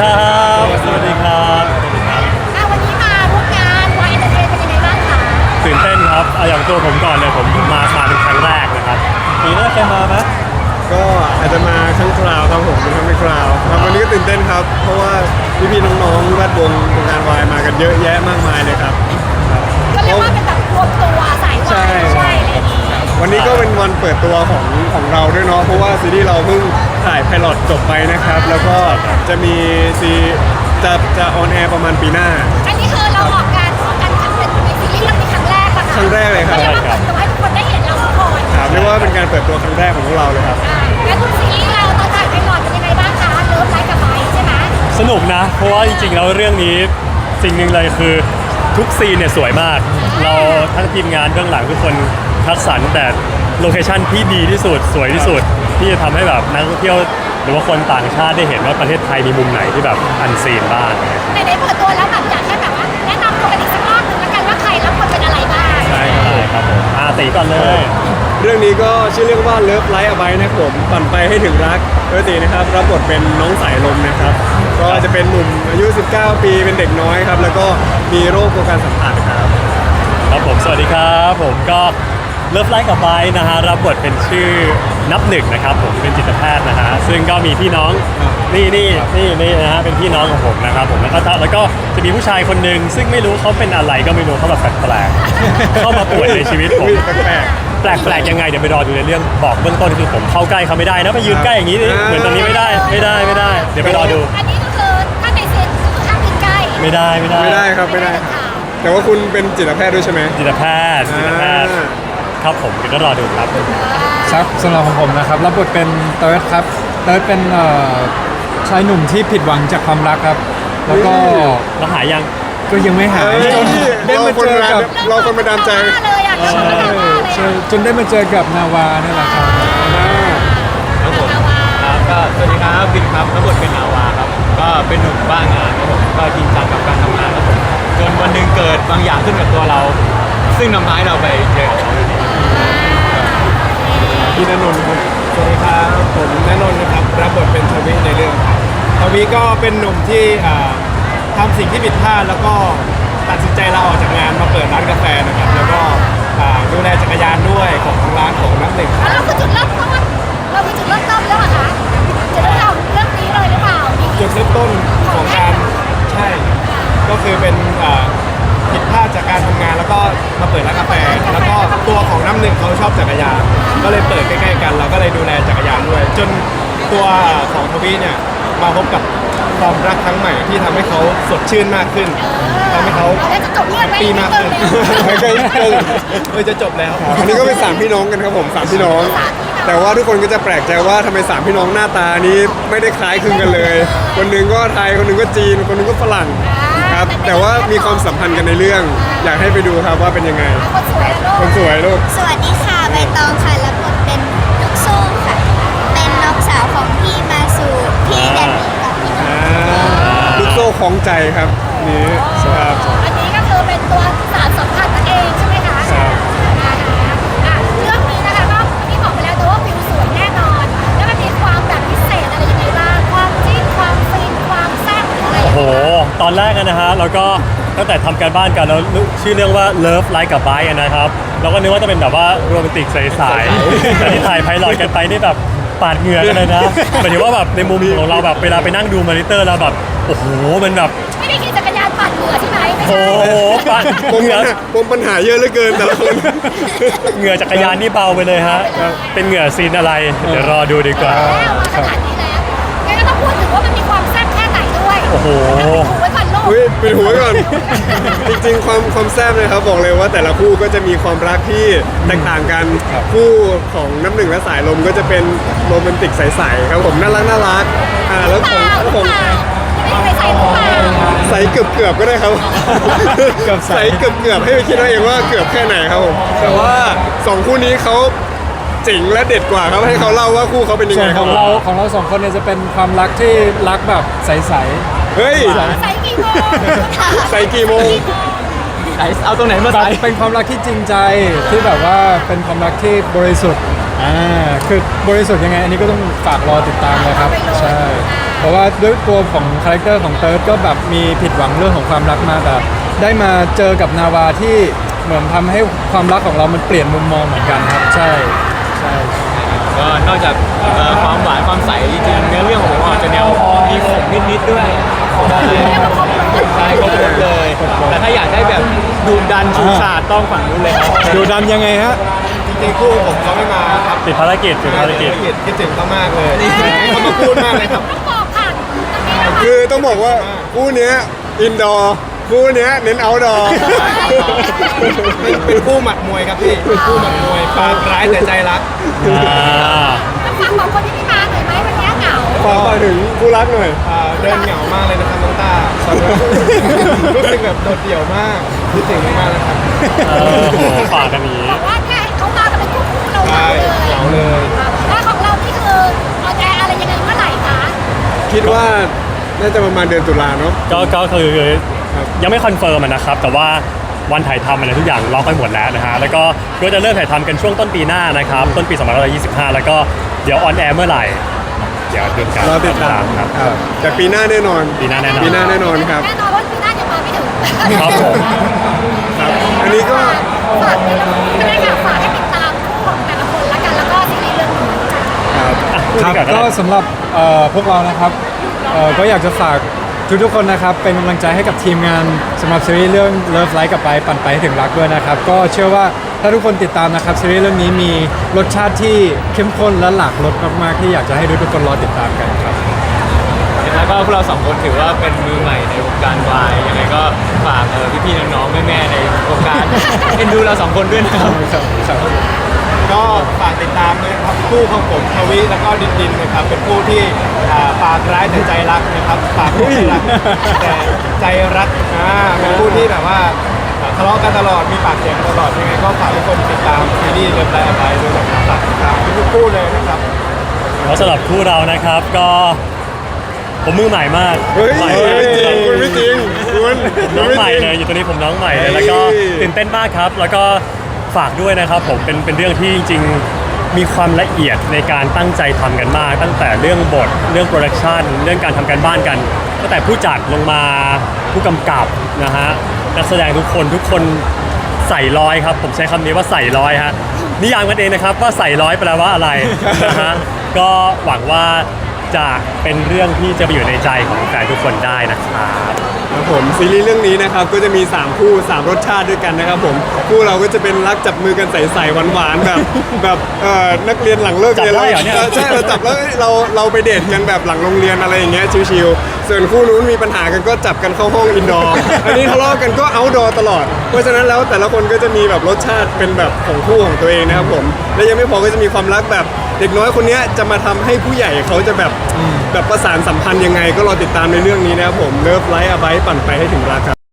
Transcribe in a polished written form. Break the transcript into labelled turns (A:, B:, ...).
A: ครับสวัสดีครับ
B: วันนี้มาร่วมงานวายเอ็นเตอร์เทนเป็นยังไงบ้างคะ
A: ตื่นเต้นครับเอาอย่างตัวผมก่อนเลยผมมาเป็นครั้งแรกนะครับปีหน้าเคยมาไหม
C: ก็อาจจะมาครั้งคราวครับผมเป็นครั้งไม่คราวครับวันนี้ก็ตื่นเต้นครับ เพราะว่าพี่ๆน้องๆแวดวงงานวายมากันเยอะแยะมากมายเลยครับ
B: ก็เรียกว่าเป็นแบบรวมตัวสายวายด้วยอะไรอย่างนี้
C: วันนี้ก็เป็นวันเปิดตัวของเราด้วยเนาะเพราะว่าซีรีส์เราเพิ่งถ่ายไพลอตจบไปนะครับ แล้วก็จะมีจะออนแอร์ประมาณปีหน้า
B: อันนี้คือเราออกการร่วมกันครั้งเป็นในซีรีส์เรื่องนี้ครั้งแรกปะคะ
C: ครั้งแรกเลยครับ
B: ก็เรียกว่าเปิดตัวให้ทุกคนได้เห็นเราก่อน
C: ครับเรียกว่าเป็นการเปิดตัวครั้งแรกของพวกเราเลยครับ
B: แล้วทุกซีรีส์เราตอนถ่ายไพลอตเป็นยังไงบ้างคะเลิฟไลฟ์กับไบใช่ไหม
A: สนุกนะเพราะว่าจริงๆแล้วเรื่องนี้สิ่งหนึ่งเลยคือทุกซีนเนี่ยสวยมาก เราทั้งทีมงานเบื้องหลังทุกคนคัดสรรแต่โลเคชั่นที่ดีที่สุดสวยที่สุดที่จะทำให้แบบนักท่องเที่ยวหรือว่าคนต่างชาติได้เห็นว่าประเทศไทยมีมุมไหนที่แบบอันซีนบ้าง
B: ในเปิดตัวแล้วแบบอยากให้แบบว่าแนะนำตัวกันอีกสักรอบหนึงแล้วกันว่าใครรับบทเป็นอะไรบ้าง
A: ใช่ครับผมตีก่อนเลย
C: เรื่องนี้ก็ชื่อเรื่องว่า Love Like a Bite นะครับผมปั่นไปให้ถึงรักโดยตีนะครับรับบทเป็นน้องสายลมนะครับ ก็จะเป็นหนุ่มอายุ 19 ปีเป็นเด็กน้อยครับ แล้วก็มีโรคกลัวการสัมผัสครับ
A: ครับผมสวัสดีครับผมก็เลิฟไลฟ์กับไบนะฮะรับบทเป็นชื่อนับหนึ่งนะครับผมเป็นจิตแพทย์นะฮะซึ่งก็มีพี่น้องนี่นะฮะเป็นพี่น้องของผมนะครับผมแล้วก็จะมีผู้ชายคนหนึ่งซึ่งไม่รู้เขาเป็นอะไรก็ไม่รู้เขาแบบแปลกๆเข้ามาป่วยในชีวิตผม
C: แปลก
A: แปลกยังไงเดี๋ยวไปรอดูในเรื่องบอกเบื้องต้นคือผมเข้าใกล้เขาไม่ได้นะไปยืนใกล้อย่างนี้นี่เหมือนตอนนี้ไม่ได้เดี๋ยวไปรอดู
B: อันนี้ก็คือถ้าในซีนก็คือห้ามกินใกล้
A: ไม่ได้
C: ไม่ได้ครับไม่ได้ แต่ว่าคุณเป็นจิตแพทย์ด้วยใช่ไหม
A: จิตแพทย์ครับผมก็รอดูครับ
D: ครับสำหรับของผมนะครับรับบทเป็นเติร์ดครับเติร์ดเป็นชายหนุ่มที่ผิดหวังจากความรักครับ แล้วก็
A: แล้วหายยัง
D: ก็ยังไม่หายจนได้มาเจอกับ
C: เราคนมาดามใจ
B: เลยอ่ะเราคนมาดามเลย
D: ใช่จนได้มาเจอกับนาวานี่แหละครับ
E: ครับผมครับก็สวัสดีครับบินครับรับบทเป็นนาวาครับก็เป็นหนุ่มบ้างานครับผมก็จริงจังกับการทำงานครับผมจนวันหนึ่งเกิดบางอย่างขึ้นกับตัวเรา ซึ่งนำพาให้เราไปเจอกับเขาอยู่ดี
C: พี่ณนนท์ครับ
F: สวัสดีครับผมณนนท์นะครับรับบทเป็นทวิในเรื่องครับทวิก็เป็นหนุ่มที่ทำสิ่งที่ผิดพลาดแล้วก็ตัดสินใจลาออกจากงานมาเปิดร้านกาแฟนะครับแล้วก็ดูแลจักรยานด้วยของร้านของนักหนึ่งครับ
B: เราคือจุดเริ่มต้นเราคือจุดเริ่มต้นแล้วเหรอคะจะเริ่มเราเรื่องนี้เลยหรือเปล่า
F: จุดเริ่มต้นของการใช่ก็คือเป็นผิดพลาดจากการทำงานแล้วก็มาเปิดร้านกาแฟ แล้วก็ตัวของน้ำหนึ่งเขาชอบจักรยานก็เลยเปิดใกล้ๆกันเราก็เลยดูแลจักรยานด้วย จนตัวของทวีเนี่ยมาพบกับความรักครั้งใหม่ที่ทำให้เขาสดชื่นมากขึ้นทำให้เขา
B: แล้วจะจบเรื่องไหม
F: ปีมากขึ้น
C: ไม่ใช่
F: จะจบแล้ว
C: อันนี้ก็เป็น3พี่น้องกันครับผม3พี่น้อง แต่ว่าทุกคนก็จะแปลกใจว่าทำไม3พี่น้องหน้าตานี้ไม่ได้คล้ายคลึงกันเลย คนหนึงก็ไทยคนหนึงก็จีนคนหนึงก็ฝรั่งครับแต่ว่ามีความสัมพันธ์กันในเรื่อง อยากให้ไปดูครับว่าเป็นยังไง
B: คนสวยแล้ว
C: คนสวยลูก
G: สวัสดีค่ะใบตองค่ะรับบทเป็นลูกสู้ค่ะ เป็นน้องสาวของพี่มาสูพี่แดนนี่กับพี่น้อง
C: ลูกโซ่คล้องใจครับนี่ครับ
B: อันนี้ก็คือเป็นตัวสารสัมพันธ์นั่นเองใช่ไหมคะ
C: ครับ
B: เรื่องนี้นะคะก็ที่บอกไปแล้วแต่ว่าวิวสวยแน่นอน แล้วมันมีความแบบพิเศษอะไรยังไงบ้างความจิ้นความฟินความแซ่บอะไร
A: โอ้โหตอนแรกนะฮะแล้วก็ตั้งแต่ทำการบ้านกันแล้วชื่อเรื่องว่า Love Like a Bite นะครับเราก็นึกว่าจะเป็นแบบว่าโรแมนติกใสๆแต่ที่ถ่ายไพลอตกันไปนี่แบบปาดเหงื่อกันเลยนะหมายถึงว่าแบบในมุมของเราแบบเวลาไปนั่งดูมอนิเตอร์แล้วแบบโอ้โหมันแบบ
B: ไม่ได้ขี่จักรยานปั่นเหงื่อใช่ไหมไม่
A: โอ้
B: ใช่
A: โหปาด
C: ผม
A: เหงื่อ
C: ปัญหาเยอะเหลือเกินแต่ละคน
A: เหงื่อจักรยานนี่เบาไปเลยฮะเป็นเหงื่อซีนอะไรเดี๋ยวรอดูดีกว่า
B: แล้วมาขนาดนี้แล้วงั้นก็ต้องพูดถึงว่ามันมีความแซ่บแค่ไหนด้วย
A: โอ้โห
B: ถูไว้ก่อนลูก
C: เฮ้ยปิดหูไว้ก่อน จริงๆความแซ่บเลยครับบอกเลยว่าแต่ละคู่ก็จะมีความรักที่แตกต่างกันคู่ของน้ำหนึ่งและสายลมก็จะเป็นโรแมนติกใสๆครับผมน่ารักแล้วของ
B: ไม่ได้ใส่หรือเปล่า
C: ใสเกือบก็ได้ครับใสเกือบให้ไปคิดเอาเองว่าเกือบแค่ไหนครับผมแต่ว่าสองคู่นี้เขาเจ๋งและเด็ดกว่าครับให้เขาเล่าว่าคู่เขาเป็นยัง
D: ส่
C: ไง
D: วน
C: ค
D: ข
C: รับ
D: องเราสองคนเนี่ยจะเป็นความรักที่รักแบบใส
C: เฮ้ย
B: ใส่กี่โมง
C: ใส่กี่โมง
E: ไหนเอาตรงไหนมา
D: ๆแบ
E: ใส่
D: บเป็นความรักที่จริงใจที่แบบว่าเป็นความรักที่บริสุทธิ์คือบริสุทธิ์ยังไงอันนี้ก็ต้องฝากรอติดตามเลยครับใช่
B: อ
D: เพราะว่าด้วยตัวของคาแรคเตอร์ของเติร์ดก็แบบมีผิดหวังเรื่องของความรักมาแต่ได้มาเจอกับนาวาที่เหมือนทำให้ความรักของเรามันเปลี่ยนมุมมองเหมือนกันครับใช่ใช่
E: ก็นอกจากความหวานความใสจริงๆเนื้อเรื่องของผมอาจจะแนวมีขมนิดๆด้วยใช่ครบรสเลย แต่ถ้าอยากได้แบบดูดันชูชาดต้องฝั่งนู้นเลยครับ
D: ดูดันยังไงฮะ
F: จริงๆคู่ผมเขาไม่มาครับ
A: ติดภารกิจติดภารกิจ
F: คิดถึงเขามากเลยให้เขามาพูดมากเลยครับ
B: ต้องบอกผ่านตรงนี้นะคะ
C: คือต้องบอกว่าคู่เนี้ยอินดอร์คู่เนี้ยเน้นเอาท์ดอร์
F: เป็นคู่หมัดมวยครับพี่เป็นคู่หมัดมวยปากร้ายแต่ใจรัก
A: อ่า
B: ต้องฟังของคนที่ไม่มาหน่อยไหมวันนี้เหงา
C: ฝากถึงคู่รักหน่อย
F: เดินเหงามากเลยนะครับน้องต้าตอนนี้รู้สึกแบบโดดเดี่ยวมากคิดถึงมากเลยครับ
A: โหฝากกันนี้
B: บอกว่าเนี่ยเขามากันเป็นคู่เราเห
F: ใช่
B: งาเลย
F: เหงาเลย
B: แล้วของเรานี่คือออนแอร์อะไรยังไงเมื่อไหร่คะ
C: คิดว่าน่าจะประมาณเดือนตุลาเนาะ
A: ก็คือยังไม่คอนเฟิร์มอะนะครับ แต่ว่าวันถ่ายทำอะไรทุกอย่างล็อกไปหมดแล้วนะฮะแล้วก็จะเริ่มถ่ายทำกันช่วงต้นปีหน้านะครับต้นปี2525 แล้วก็เดี๋ยวออนแอร์เมื่อไหร่ เดี๋ยวดูกัน
C: รอติดตาม
A: ครับ
C: ครับแต่ปีหน้าแน่นอน
A: ปีหน้าแน่นอน
C: ปีหน้าแน่นอนครับ
B: แน่นอนว่าปีหน้ายังมาไม่ถึง
A: ครับผม
C: ครับ อันนี้ก็
B: ฝากนี่ก็ได้ค่ะฝากให้ติดตามคู่ของแต่ละคนละกันแล้วก็ซีรีส์เรื่องนี้
C: ครับ
D: ครับ
A: พูดดีว่า
D: ก็สำหรับพวกเรานะครับก็อยากจะฝากทุกๆคนนะครับเป็นกำลังใจให้กับทีมงานสำหรับซีรีส์เรื่อง Love Life กับไปปั่นไปให้ถึงรักด้วยนะครับก็เชื่อว่าถ้าทุกคนติดตามนะครับซีรีส์เรื่องนี้มีรสชาติที่เข้มข้นและหลากรสมากๆที่อยากจะให้ทุกคนรอติดตามกันครับ
E: แล้วก็พวกเราสองคนถือว่าเป็นมือใหม่ในวงการวายยังไงก็ฝากพี่ๆน้องๆแม่ๆในวงการ เอ็นดูเราสองคนด้วยนะครับ
F: ก็ฝากติดตามด้วยนะครับคู่ของผมทวิแล้วก็ดินนะครับเป็นคู่ที่ปากร้ายแต่ใจรักนะครับปากไม่รักแต่ใจรักเป็นคู่ที่แบบว่าทะเลาะกันตลอดมีปากเสียงกันตลอดยังไงก็ฝากทุกคนติดตามซีรีส์เลิฟไลฟ์อะไรด้วยนะครับฝากติดตามทุกคู่เลยนะครับ
A: แล้วสำหรับคู่เรานะครับก็ผมมือใหม่มาก
C: เฮ้ย
A: ใหม่
C: ไม่จริ
A: มางก
C: คุณไม่จริงคุณ
A: น้องใหม่เลยอยู่ตัวนี้ผมน้องใหม่เลย
C: เฮ้ย
A: แล้วก็ตื่นเต้นมากครับ แล้วก็ฝากด้วยนะครับผมเป็นเรื่องที่จริงๆมีความละเอียดในการตั้งใจทำกันมาก ตั้งแต่เรื่องบทเรื่องโปรดักชันเรื่องการทำการบ้านกันตั้งแต่ผู้จัดลงมาผู้กำกับนะฮะนักแสดงทุกคนใส่ร้อยครับผมใช้คำนี้ว่าใส่ร้อยฮะนิยามกันเองนะครับว่าใส่ร้อยแปลว่าอะไรนะฮะก็หวังว่าจะเป็นเรื่องที่จะไปอยู่ในใจของแฟนทุกคนได้นะครับ
C: ครับผมซีรีส์เรื่องนี้นะครับก็จะมี 3 คู่ 3 รสชาติด้วยกันนะครับผมคู่เราก็จะเป็นรักจับมือกันใสๆหวานๆแบบนักเรียนหลังเลิกเรียน
A: จับได้เหรอเนี่ย
C: ใช่เราจับแล้วเราไปเดทกันแบบหลังโรงเรียนอะไรอย่างเงี้ยชิวๆส่วนคู่นู้นมีปัญหากันก็จับกันเข้าห้องอินดอร์อันนี้ทะเลาะกันก็เอาท์ดอร์ตลอดเพราะฉะนั้นแล้วแต่ละคนก็จะมีแบบรสชาติเป็นแบบของคู่ของตัวเองนะครับผมและยังไม่พอก็จะมีความรักแบบเด็กน้อยคนเนี้ยจะมาทำให้ผู้ใหญ่เขาจะแบบประสานสัมพันธ์ยังไงก็รอติดตามในเรื่องนี้นะครับผมเลิฟไลฟ์อ b ไ e ปั่นไปให้ถึงรักครับ